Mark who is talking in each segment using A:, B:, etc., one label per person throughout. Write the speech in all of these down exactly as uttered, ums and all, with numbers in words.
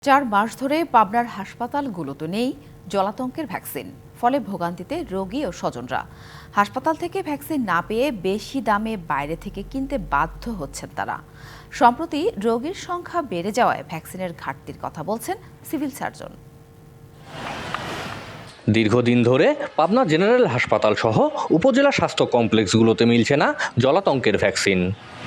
A: চার মাস ধরে পাবনার হাসপাতালগুলোতে নেই জলাতঙ্কের ভ্যাকসিন। ফলে ভোগান্তিতে রোগী ও স্বজনরা। হাসপাতাল থেকে ভ্যাকসিন না পেয়ে বেশি দামে বাইরে থেকে কিনতে বাধ্য হচ্ছেন তারা। সম্প্রতি রোগীর সংখ্যা বেড়ে যাওয়ায় ভ্যাকসিনের ঘাটতির কথা বলছেন সিভিল সার্জন।
B: দীর্ঘদিন ধরে পাবনা জেনারেল হাসপাতাল সহ উপজেলা স্বাস্থ্য কমপ্লেক্সগুলোতে মিলছে না জলাতঙ্কের ভ্যাকসিন।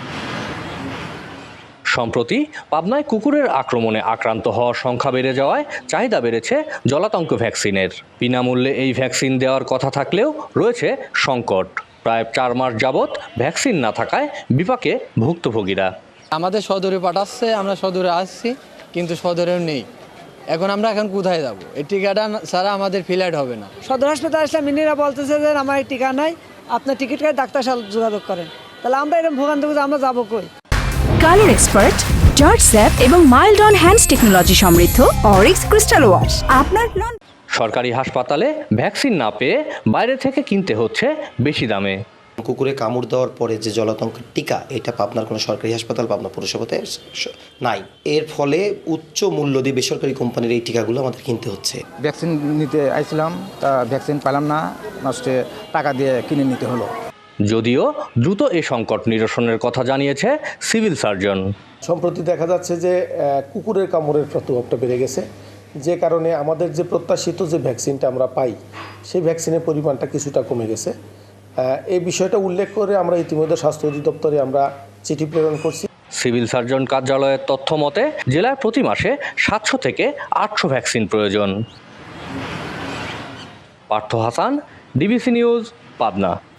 B: সম্প্রতি পাবনায় কুকুরের আক্রমণে আক্রান্ত হওয়ার সংখ্যা বেড়ে যাওয়ায় চাহিদা বেড়েছে জলাতঙ্ক ভ্যাকসিনের। বিনামূল্যে এই ভ্যাকসিন দেওয়ার কথা থাকলেও রয়েছে সংকট। প্রায় চার মাস যাবৎ ভ্যাকসিন না থাকায় বিপাকে ভুক্তভোগীরা।
C: আমাদের সদরে পাঠাচ্ছে, আমরা সদরে আসছি, কিন্তু সদরেও নেই। এখন আমরা এখন কোথায় যাব? এই টিকাটা ছাড়া আমাদের ফ্লাইট হবে না।
D: সদর হাসপাতাল আসলে মিনিরা বলতেছে যে আমার এই টিকা নাই, আপনার টিকিট কাটে ডাক্তার সাথে যোগাযোগ করেন। তাহলে আমরা এরকম ভোগান্তি আমরা যাবো কই?
E: কালার এক্সপার্ট, জর্জ স্যাপ এবং মাইল্ড অন হ্যান্ডস টেকনোলজি সমৃদ্ধ অরিক্স ক্রিস্টাল ওয়াশ আপনার নন।
B: সরকারি হাসপাতালে ভ্যাকসিন না পেয়ে বাইরে থেকে কিনতে হচ্ছে বেশি দামে।
F: কুকুরে কামড় দেওয়ার পরে যে জলাতঙ্কের টিকা, এটা পাবনার কোনো সরকারি হাসপাতাল পাবনা পৌরসভাতে নাই। এর ফলে উচ্চ মূল্য দিয়ে বেসরকারি কোম্পানির এই টিকাগুলো আমাদের কিনতে হচ্ছে।
G: ভ্যাকসিন নিতে আইছিলাম, তা ভ্যাকসিন পেলাম না, নষ্টে টাকা দিয়ে কিনে নিতে হলো।
B: যদিও দ্রুত এ সংকট নিরসনের কথা জানিয়েছে সিভিল সার্জন।
H: সম্প্রতি দেখা যাচ্ছে যে কুকুরের কামড়ের প্রভাবটা বেড়ে গেছে, যে কারণে আমাদের যে প্রত্যাশিত যে ভ্যাকসিনটা আমরা পাই, সেই ভ্যাকসিনের পরিমাণটা কিছুটা কমে গেছে। এই বিষয়টা উল্লেখ করে আমরা ইতিমধ্যে স্বাস্থ্য অধিদপ্তরে আমরা চিঠি প্রেরণ করছি।
B: সিভিল সার্জন কার্যালয়ের তথ্য মতে জেলায় প্রতি মাসে সাতশো থেকে আটশো ভ্যাকসিন প্রয়োজন। Partha Hasan, DBC news, Pabna.